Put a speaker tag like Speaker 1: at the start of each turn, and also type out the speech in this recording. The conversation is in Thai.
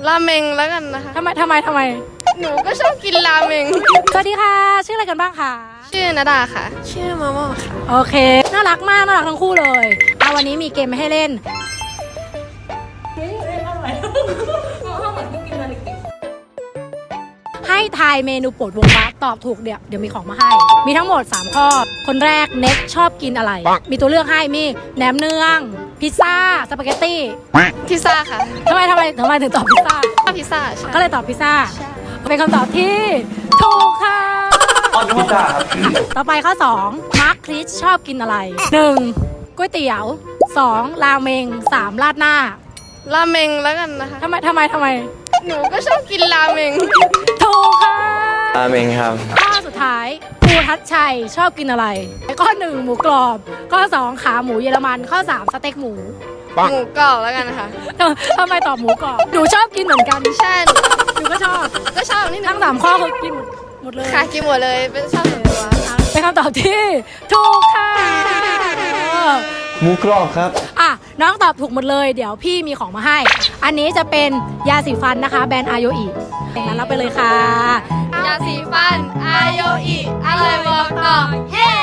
Speaker 1: ราเมงแล้วกันนะคะ
Speaker 2: ทำไม
Speaker 1: หนูก็ชอบกินราเมง
Speaker 2: สวัสดีค่ะชื่ออะไรกันบ้างคะ
Speaker 1: ชื่อนาดาค่ะ ชื่อมาม่าค่ะ
Speaker 2: โอเคน่ารักมากน่ารักทั้งคู่เลยวันนี้มีเกมให้เล่นให้ทายเมนูโปรดวงฟ้าตอบถูกเดี๋ยวมีของมาให้มีทั้งหมด3ข้อคนแรกเน็กชอบกินอะไรมีตัวเลือกให้มีแหนมเนืองพิซซ่าสปาเกตตี้
Speaker 1: พิซซ่าค่ะ
Speaker 2: ทำไมถึงตอบพิซซ่า
Speaker 1: ชอบพิซซ่าใช่
Speaker 2: ก็เลยตอบพิซซ่าเป็นคำตอบที่ถูกค่ะ
Speaker 3: พิซซ่าครับ
Speaker 2: ต่อไปข้อ2มาร์คคริสชอบกินอะไร 1. ก๋วยเตี๋ยว 2. ราเมง 3. ราดหน้า
Speaker 1: ราเมงแล้วกันนะคะ
Speaker 2: ทำไม
Speaker 1: หนูก็ชอบกินราเมง
Speaker 2: ถูกค่ะ
Speaker 3: ราเมงครับ
Speaker 2: ข้อสุดท้ายครูทัชชัยชอบกินอะไร ข้อ 1 หมูกรอบ ข้อ 2 ขาหมูเยอรมัน ข้อ 3 สเต็กหมู
Speaker 1: หมูกรอบแล้วกันนะคะ
Speaker 2: ทำไมตอบหมูกรอบหนูชอบกินเหมือนกัน
Speaker 1: ใช่
Speaker 2: หนูก็ชอบ
Speaker 1: ก็ชอบนี่
Speaker 2: ทั้ง3ข้อคือกินหมดเลย
Speaker 1: ค่ะกินหมดเลยเป็นชอบส่วนตัว
Speaker 2: เป็นคำตอบที่ถูกค่ะ
Speaker 3: หมูกรอบครับ
Speaker 2: น้องตอบถูกหมดเลยเดี๋ยวพี่มีของมาให้ อันนี้จะเป็นยาสีฟันนะคะแบรนด์อาโยอิงั้นรับไปเลยค่ะ
Speaker 1: ยาสีฟันอาโยอิอะไรบอกต่อเฮ้